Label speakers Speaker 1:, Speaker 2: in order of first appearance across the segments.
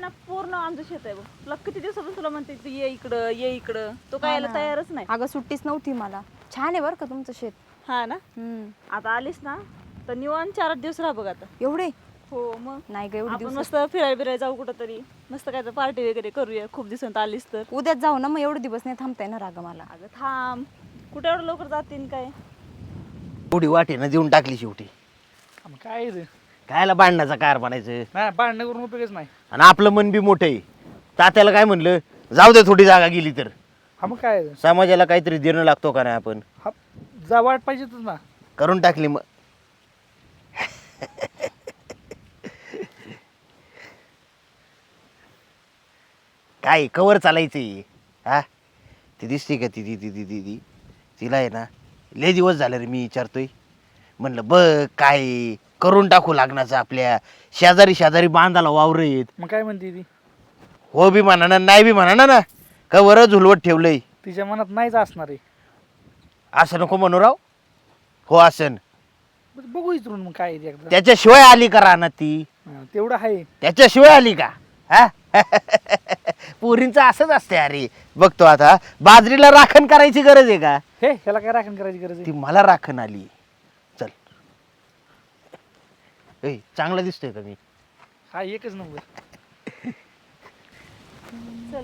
Speaker 1: ना पूर्ण आमचं शेत आहे बघ. तुला किती दिवसापासून तुला म्हणते तू ये इकडं ये इकडं, तो काय यायला तयारच नाही.
Speaker 2: अगं सुट्टीच नव्हती मला. छान आहे बरं का तुमचं शेत.
Speaker 1: हा ना. आता आलीस ना तर निवांत 4 दिवस राहा बघ आता.
Speaker 2: एवढे?
Speaker 1: हो मग
Speaker 2: नाही ग एवढे
Speaker 1: आपण
Speaker 2: दिवस.
Speaker 1: मस्त फिरायला बिरायला जाऊ कुठं तरी, मस्त काय तर पार्टी वगैरे करूया. खूप दिवसांत आलीस तर
Speaker 2: उद्याच जाऊ ना, मग एवढे दिवस नाही थांबता येणार अगं मला.
Speaker 1: अगं थांब, कुठे एवढं लवकर जातीन काय.
Speaker 3: एवढी वाटेनं देऊन टाकली शेवटी.
Speaker 4: काय रे
Speaker 3: कायला भांडण्याचा कार बनायचं.
Speaker 4: नाही भांडण करून उपयोगच नाही.
Speaker 3: आणि आपलं मन बी मोठं आहे. तात्याला काय म्हणलं, जाऊ दे थोडी जागा गेली तर.
Speaker 4: हा मग काय
Speaker 3: समाजाला काहीतरी देणं लागतो का नाही आपण.
Speaker 4: हा जा वाट पाहिजेच ना.
Speaker 3: करून टाकली मग. काय कवर चालायचंय हा. ती दिसते का ती ती ती ती ती ती तिला आहे ना लय दिवस झाले रे मी विचारतोय. म्हणलं बघ काय करून टाकू लागण्याचं. आपल्या शेजारी शेजारी बांधाला वावर येत.
Speaker 4: मग काय म्हणते ती?
Speaker 3: हो बी म्हणा ना नाही बी म्हणा ना. कवर झुलवत ठेवलंय.
Speaker 4: तिच्या मनात नाहीच असणार आहे.
Speaker 3: असं नको म्हणू राव. हो असन.
Speaker 4: बघू इथून मग काय आहे एकदा.
Speaker 3: त्याच्याशिवाय आली का राहणार ती.
Speaker 4: तेवढं आहे.
Speaker 3: त्याच्याशिवाय आली का हा. पोरींचं असंच असते अरे. बघतो आता बाजरीला राखण करायची गरज आहे का.
Speaker 4: हे ह्याला काय राखण करायची गरज
Speaker 3: ती
Speaker 4: आहे?
Speaker 3: मला राखण आली. चल ए चांगलं दिसतोय का मी.
Speaker 4: हा एकच नंबर.
Speaker 1: चल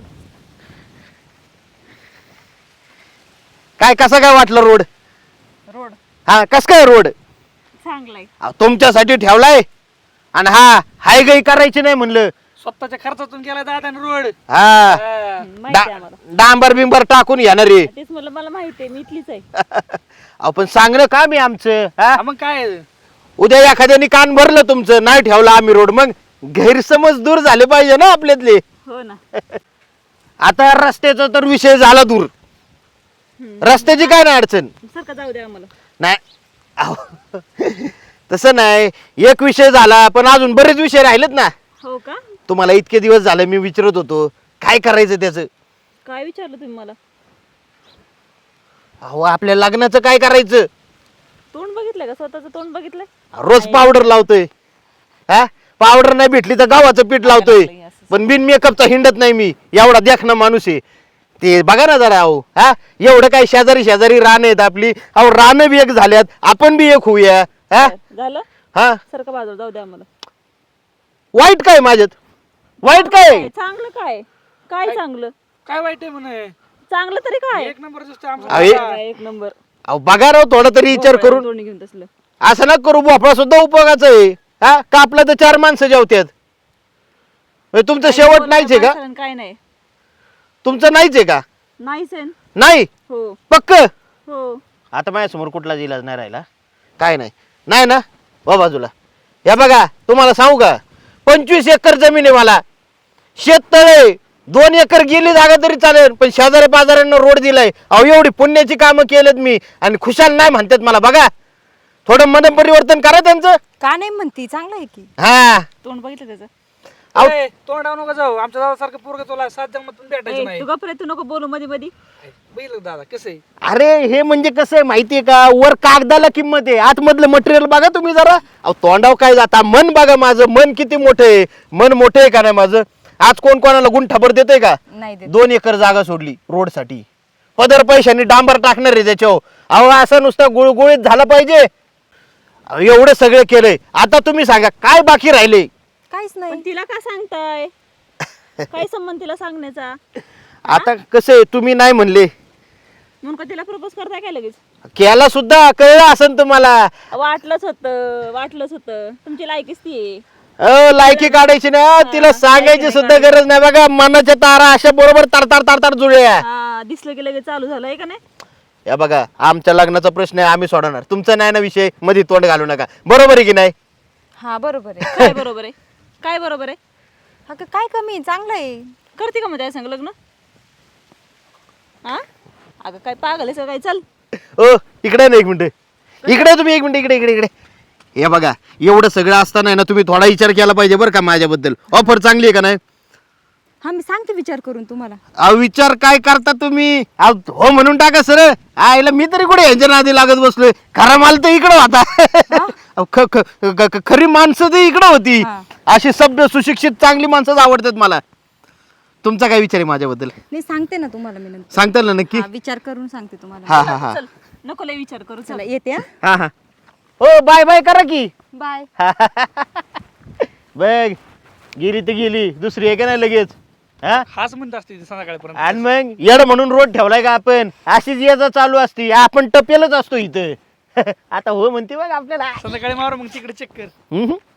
Speaker 3: काय कसं काय वाटलं रोड.
Speaker 1: रोड
Speaker 3: हा कस काय रोड.
Speaker 1: चांगलाय.
Speaker 3: तुमच्यासाठी ठेवलाय. आणि हा हाय गई करायची नाही म्हणलं.
Speaker 4: स्वतःच्या खर्चातून गेला दादा रोड.
Speaker 3: हा
Speaker 1: माहिती आहे आम्हाला.
Speaker 3: डांबर बिंबर टाकून येणार रे.
Speaker 1: तेच मला माहिती आहे, मी इथलीच आहे.
Speaker 3: आपण सांगणं का मी आमचं हा.
Speaker 4: मग काय आहे?
Speaker 3: उद्या एखाद्याने कान भरलं तुमचं नाही ठेवलं आम्ही रोड मग गैरसमज दूर झाले पाहिजे ना आपल्यातले.
Speaker 1: हो ना.
Speaker 3: आता रस्त्याचा तर विषय झाला दूर. रस्त्याची काय नाही अडचण.
Speaker 1: सारखं जाऊ द्या आम्हाला.
Speaker 3: नाही अहो, तसं नाही. एक विषय झाला पण अजून बरेच विषय राहिलेत ना.
Speaker 1: हो का.
Speaker 3: तुम्हाला इतके दिवस झाले मी विचारत होतो काय करायचं त्याचं.
Speaker 1: काय विचारलं तुम्ही मला.
Speaker 3: अहो आपल्या लग्नाचं काय करायचं.
Speaker 1: तोंड बघितलंय का, स्वतःचं तोंड बघितलंय.
Speaker 3: रोज पावडर लावतोय. हा पावडर नाही भेटली तर गव्हाचं पीठ लावतोय. पण बिन मेकअपचा हिंडत नाही मी. एवढा देखना माणूस आहे. ते बघा ना जरा. अहो हा एवढं काय शेजारी शेजारी रान आहेत आपली. अहो रान बी एक झाल्यात आपण बी एक होऊया. हा
Speaker 1: झालं.
Speaker 3: हा
Speaker 1: सारखं बाजूला जाऊ द्या आम्हाला.
Speaker 3: वाईट काय माझ्यात. वाईट काय.
Speaker 1: चांगलं काय. काय चांगलं.
Speaker 4: काय वाईट आहे म्हणे.
Speaker 1: चांगलं तरी काय.
Speaker 4: एक नंबर दिसतो आमचा.
Speaker 3: अरे
Speaker 1: एक नंबर.
Speaker 3: अहो बघा राव थोडा तरी विचार करून.
Speaker 1: तोंड घेऊन तसलं.
Speaker 3: असं ना करू. भोपळा सुद्धा उपयोगाचा आहे. हा कापला तर 4 माणसं जेवतात. तुमचं शेवट नाहीच आहे का.
Speaker 1: काय नाही.
Speaker 3: तुमचं नाहीच आहे का.
Speaker 1: नाहीच आहे.
Speaker 3: नाही
Speaker 1: हो
Speaker 3: पक्क.
Speaker 1: हो.
Speaker 3: आता माझ्यासमोर कुठलाच इलाज नाही राहिला. काय नाही नाही ना हो बाजूला. हे बघा तुम्हाला सांगू का 25 एकर जमीन आहे मला. शेततळे 2 एकर गेली जागा तरी चालेल पण शेजारी पाजाऱ्यांना रोड दिलाय. अहो एवढी पुण्याची कामं केलेत मी आणि खुशाल नाही म्हणतात मला. बघा थोडं मन परिवर्तन करा त्यांचं.
Speaker 2: का नाही म्हणती, चांगलं आहे की.
Speaker 3: हा
Speaker 1: तोंड बघितलं त्याचं.
Speaker 3: अहो.
Speaker 4: ए, तोंडावर नको जाऊ. आमच्या दादासारखं पोरगं तुला 7 जन्मातून भेटायचं नाही.
Speaker 1: तू गप्रे, तू नको बोलू मध्ये मध्ये.
Speaker 4: बघितलं का दादा कसं आहे.
Speaker 3: अरे हे म्हणजे कसं आहे माहितीये का. वर कागदाला किंमत आहे आतमधलं मटेरियल बघा तुम्ही जरा. अहो तोंडाव काय जाता. मन बघा माझं. मन किती मोठं आहे. मन मोठं आहे का नाही माझं. आज कोण कोणाला गुंठाभर देतोय का.
Speaker 2: नाही देत.
Speaker 3: 2 एकर जागा सोडली रोड साठी. पदर पैशाने डांबर टाकणार आहे त्याच्यावर. अहो असं नुसतं गुळगुळीत झालं पाहिजे. अहो, एवढं सगळं केलंय. आता तुम्ही सांगा काय बाकी राहिले.
Speaker 2: काहीच नाही.
Speaker 1: पण तिला का सांगताय. काय संबंध तिला सांगण्याचा.
Speaker 3: आता कसं आहे तुम्ही नाही म्हणले.
Speaker 1: म्हणून का तिला प्रपोज करताय काय लगेच.
Speaker 3: केला सुद्धा कळलं असेल तुम्हाला.
Speaker 1: वाटलंच होतं तुमची लायकीच ती आहे.
Speaker 3: लायकी काढायची ना. तिला सांगायची सुद्धा गरज नाही. बघा मनाच्या तारा अशा बरोबर तार तार तार तार जुळल्या.
Speaker 1: हा दिसलं की लगेच चालू झालंय का नाही.
Speaker 3: या बघा आमच्या लग्नाचा प्रश्न आहे आम्ही सोडवणार. तुमचा नाही ना विषय. मध्ये तोंड घालू नका. बरोबर आहे की नाही.
Speaker 2: हा बरोबर आहे.
Speaker 1: काय बरोबर आहे. काय बरोबर आहे.
Speaker 2: अगं काय कमी आहे, चांगलं आहे.
Speaker 1: करते का मग त्या सांग लग्न. हा अगं काय पागल आहे काय. चल
Speaker 3: ओ इकडे ना 1 मिनिट. इकडे तुम्ही 1 मिनिट. इकडे इकडे इकडे. हे बघा एवढं सगळं असताना ना तुम्ही थोडा विचार केला पाहिजे बरं का माझ्याबद्दल. ऑफर चांगली आहे का नाही.
Speaker 2: हा मी सांगते विचार करून तुम्हाला.
Speaker 3: अहो विचार काय करता तुम्ही. हो म्हणून टाका सर. आईला मी तरी कुठे यांच्या नादी लागत बसलोय. खरा माल तर इकडं होता. खरी माणसं तर इकडं होती. अशी सभ्य सुशिक्षित चांगली माणसंच आवडतात मला. तुमचा काय विचार आहे माझ्याबद्दल?
Speaker 2: नाही सांगते ना तुम्हाला मी नंतर.
Speaker 3: सांगताल ना नक्की?
Speaker 2: हा, विचार करून सांगते तुम्हाला.
Speaker 3: हा हा हा
Speaker 1: चल नको लय विचार करू चल.
Speaker 2: चला येते हा.
Speaker 3: हा हा. हो बाय बाय करा की.
Speaker 2: बाय.
Speaker 3: बघ गेली तर गेली, दुसरी आहे का नाही लगेच. हा
Speaker 4: हाच म्हणत असते ती संध्याकाळपर्यंत.
Speaker 3: आणि मग येड म्हणून रोड ठेवलाय का आपण? अशीच याचा चालू असती, आपण टपेलच असतो इथं. आता हो म्हणते बघ आपल्याला.
Speaker 4: संध्याकाळी मारू मग तिकडे चेक कर.
Speaker 3: हम्म.